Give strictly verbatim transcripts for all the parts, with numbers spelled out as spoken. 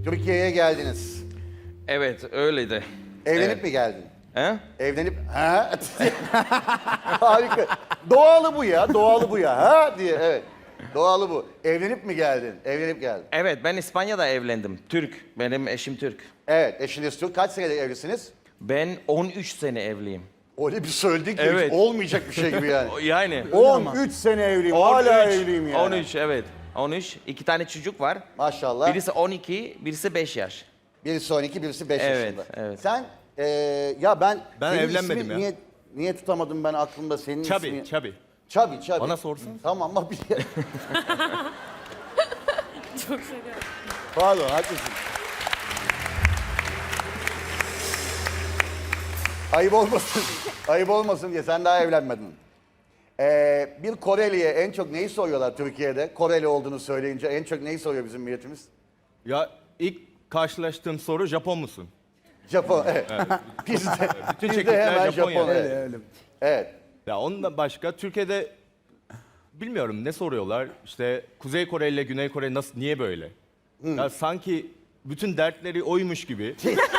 Türkiye'ye geldiniz. Evet, öyleydi. Evlenip Evet. mi geldin? He? Evlenip ha harika. Doğalı bu ya, doğalı bu ya. Ha diye evet. Doğalı bu. Evlenip mi geldin? Evlenip geldin. Evet, ben İspanya'da evlendim. Türk, benim eşim Türk. Evet, eşiniz Türk. Kaç senedir evlisiniz? Ben on üç sene evliyim. Öyle bir söyledik ki Evet. hiç olmayacak bir şey gibi yani. Yani. on üç sene evliyim, hala evliyim yani. on üç, evet. on üç. İki tane çocuk var. Maşallah. Birisi on iki, birisi beş yaş. Birisi on iki, birisi beş Evet, yaşında. evet. Sen, eee ya ben... Ben senin evlenmedim ismin ya. Niye, niye tutamadım ben aklımda senin Çabi, ismi? Çabi. Çabi, Çabi. Bana sorsun. Tamam ama bir... Çok şeker. Pardon, haklısın. Ayıp olmasın, ayıp olmasın diye sen daha evlenmedin. Ee, bir Koreli'ye en çok neyi soruyorlar Türkiye'de? Koreli olduğunu söyleyince en çok neyi soruyor bizim milletimiz? Ya ilk karşılaştığım soru Japon musun? Japon, evet. Biz de, Bütün biz de çekikler hemen Japon Japon. yani. Evet. Evet. Ya ondan başka Türkiye'de bilmiyorum ne soruyorlar. İşte Kuzey Kore ile Güney Kore nasıl niye böyle? Ya sanki bütün dertleri oymuş gibi.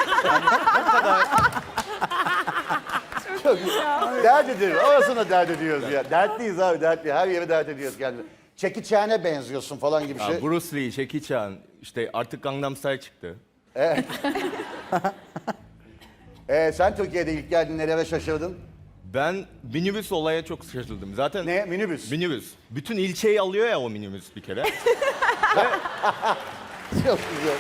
Çok güzel. Dert ediyoruz. Orasını dert ediyoruz ya. Dertliyiz abi, dertli. Her yere dert ediyoruz kendimizi. Jackie Chan'e benziyorsun falan gibi Ya şey. Bruce Lee, Jackie Chan, işte artık Gangnam Style çıktı. Ee, sen Türkiye'de ilk geldin, nelere şaşırdın? Ben minibüs olaya çok şaşırdım. Zaten Ne? Minibüs. minibüs. Bütün ilçeyi alıyor ya o minibüs bir kere. Çok güzel.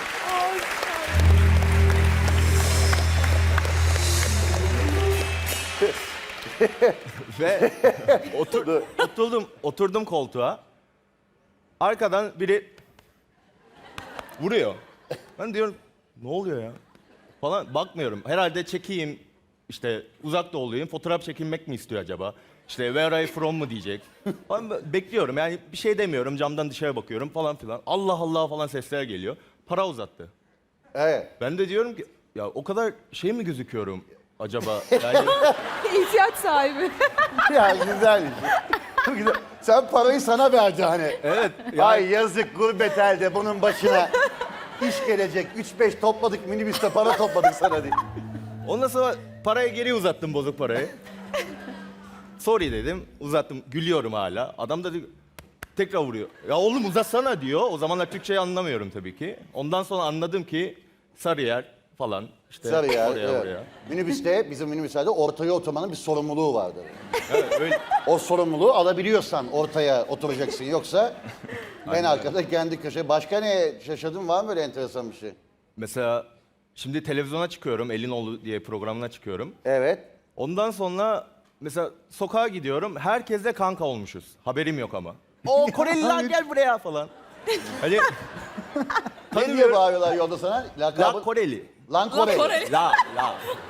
Ve otur, oturdum, oturdum koltuğa. Arkadan biri vuruyor. Ben diyorum ne oluyor ya? Falan bakmıyorum. Herhalde çekeyim işte uzak doğuluyum. Fotoğraf çekinmek mi istiyor acaba? İşte where are you from mu diyecek. Falan bekliyorum yani bir şey demiyorum. Camdan dışarı bakıyorum falan filan. Allah Allah falan sesler geliyor. Para uzattı. Evet. Ben de diyorum ki ya o kadar şey mi gözüküyorum acaba? Yani İhtiyaç sahibi. Ya güzelmiş. Çok güzel. Sen parayı sana verdi hani. evet. Ay yazık gurbet elde bunun başına. İş gelecek. Üç beş topladık minibüste para topladık sana diye. Ondan sonra parayı geri uzattım bozuk parayı. Sorry dedim. Uzattım. Gülüyorum hala. Adam da diyor, tekrar vuruyor. Ya oğlum uzatsana diyor. O zamanlar Türkçeyi anlamıyorum tabii ki. Ondan sonra anladım ki Sarıyer falan. İşte Sarıyer, oraya evet. oraya. Minibüste, bizim minibüslerde ortaya oturmanın bir sorumluluğu vardır. Evet, öyle. O sorumluluğu alabiliyorsan ortaya oturacaksın. Yoksa en arkada kendi köşe. Başka ne şaşırdın, var mı böyle enteresan bir şey? Mesela şimdi televizyona çıkıyorum. Elinoğlu diye programına çıkıyorum. Evet. Ondan sonra mesela sokağa gidiyorum. Herkesle kanka olmuşuz. Haberim yok ama. O Koreliler gel buraya falan. Hani Ne diye bağırıyorlar yolda sana? Lakabı... La Koreli. Lan Koreli. Koreli. La la.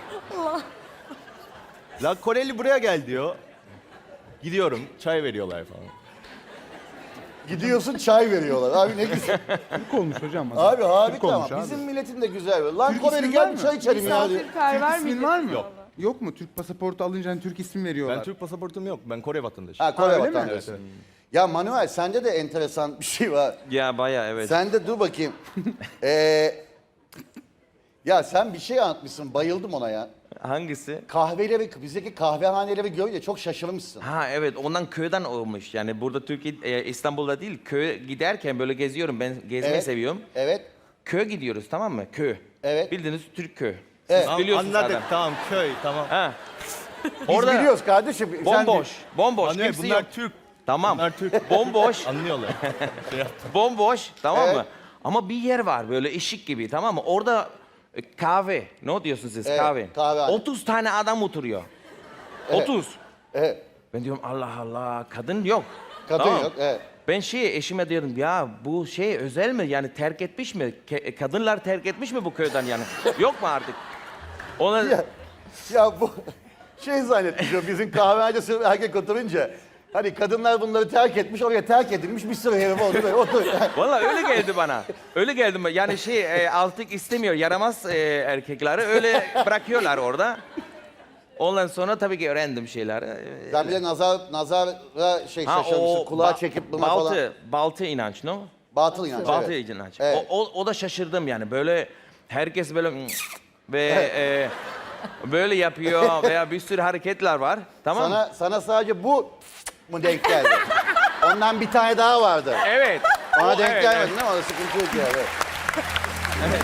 La Koreli buraya gel diyor. Gidiyorum, çay veriyorlar falan. Gidiyorsun çay veriyorlar. Abi ne güzel. Türk olmuş hocam. Abi harika Türk olmuş ama abi. bizim milletin de güzel. Lan Türk Koreli ismi gel var bir mı? çay içelim ya diyor. Misafirperver İsmin miydi? var mı? Yok. Yok mu? Türk pasaportu alınca hani Türk isim veriyorlar. Ben Türk pasaportum yok. Ben Kore vatandaşıyım. Ha Kore Ha, öyle mi? vatandaşı. Ya Manuel sende de enteresan bir şey var. Ya bayağı evet. Sen de dur bakayım. Ee, ya sen bir şey anlatmışsın. Bayıldım ona ya. Hangisi? Kahveleri, bizdeki kahvehaneleri görünce çok şaşırmışsın. Ha evet, ondan köyden olmuş. Yani burada Türkiye, e, İstanbul'da değil, köye giderken böyle geziyorum. Ben gezmeyi Evet. seviyorum. Evet. Köye gidiyoruz, tamam mı? Köy. Evet. Bildiğiniz Türk köy. Evet. Siz Tamam, biliyorsunuz anladık zaten. tamam köy tamam. Ha. Biz Orada biliyoruz kardeşim. Sen- bomboş, bomboş, Anlıyor, kimse bunlar yok. Türk. Tamam. Bunlar Türk. Bomboş, Anlıyorlar. Şey yaptım. bomboş, tamam Evet. mı? Ama bir yer var böyle ışık gibi, tamam mı? Orada e, kahve, ne diyorsunuz siz Evet, kahve? kahvehane. otuz tane adam oturuyor. Evet. otuz. Evet. Ben diyorum Allah Allah, kadın yok. Kadın Tamam. yok. Evet. Ben şey eşime diyorum ya bu şey özel mi, yani terk etmiş mi? Ke- kadınlar terk etmiş mi bu köyden yani? Yok mu artık? Ona Ya, ya bu şey zannetmiş o bizim kahvehanede sırf erkek oturunca. Hani kadınlar bunları terk etmiş, oraya terk edilmiş bir sürü herif oldu. Böyle otur. vallahi öyle geldi bana. Öyle geldi bana. Yani şey e, artık istemiyor, yaramaz e, erkekleri öyle bırakıyorlar orada. Ondan sonra tabii ki öğrendim şeyleri. E, Sen bir de nazar, nazara şey Ha, şaşırmışsın, o kulağa ba- çekip buna baltı, falan. baltı inanç, no? Batıl inanç. Batıl evet. inanç. Evet. O, o, o da şaşırdım yani böyle herkes böyle ve e, böyle yapıyor veya bir sürü hareketler var. Tamam mı? Sana, sana sadece bu mu denk geldi? Ondan bir tane daha vardı. Evet. Ona O- denk evet, gelmedin evet. ama o sıkıntı yok yani. Evet.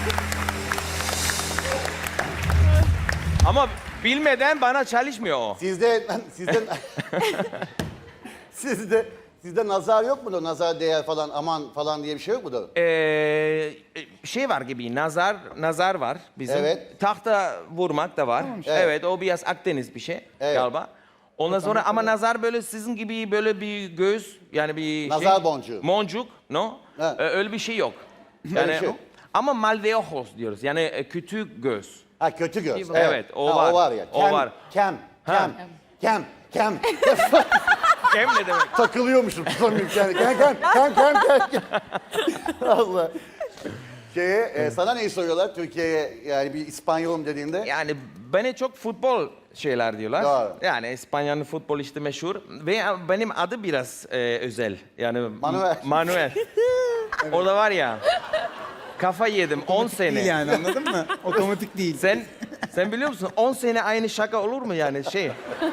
Ama bilmeden bana çalışmıyor o. Sizde, sizde, sizde, sizde nazar yok mudur? Nazar değer falan, aman falan diye bir şey yok mudur? Ee, şey var gibi nazar nazar var bizim. Evet. Tahta vurmak da var. Evet. Evet. o biraz Akdeniz bir şey Evet. galiba. Ondan sonra ama nazar böyle sizin gibi böyle bir göz yani bir Nazar şey, boncuğu. Boncuk, no? Evet. Ee, öyle bir şey yok. Öyle Yani bir şey yok. ama mal de ojos diyoruz. Yani e, küçük göz. Ha kötü göz. Evet, o Ha, var. O var ya. O Kem, var. Kem, kem, kem, kem. Kem ne demek? Takılıyormuşum tutamıyorum kendimi. Kem, kem, kem, kem, kem, kem. Allah. Şeye, e, sana neyi soruyorlar Türkiye'ye yani bir İspanyolum dediğinde? Yani bana çok futbol şeyler diyorlar. Doğru. Yani İspanya'nın futbol işte meşhur. Ve benim adı biraz e, özel. Yani Manuel. Manuel. Orada var ya. Kafa yedim on sene. Değil yani anladın mı? Otomatik değil. Sen sen biliyor musun on sene aynı şaka olur mu yani şey?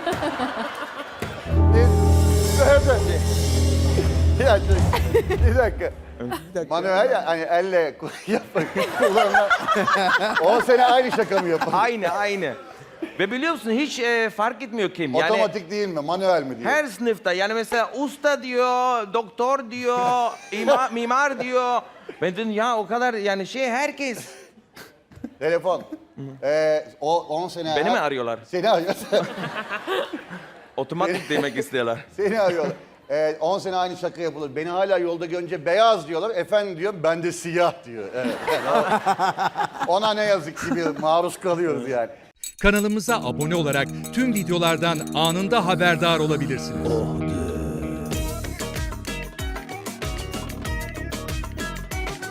Bir dakika. Bir dakika. Manuel ya, hani elle yapmak kullanılan. on sene aynı şaka mı yapar? Aynı aynı. Ve biliyor musun hiç e, fark etmiyor kim. Yani Otomatik değil mi? Manuel mi diyor? her sınıfta yani mesela usta diyor, doktor diyor, ima, mimar diyor. Ben dedim ya o kadar yani şey herkes. Telefon. Ee, o on sene... Beni mi arıyorlar? Seni arıyor. Otomatik demek istiyorlar. Seni arıyorlar. Ee, on sene aynı şaka yapılır. Beni hala yolda görünce beyaz diyorlar. Efendim diyor, ben de siyah diyor. Evet. Ona ne yazık ki bir maruz kalıyoruz yani. Kanalımıza abone olarak tüm videolardan anında haberdar olabilirsiniz.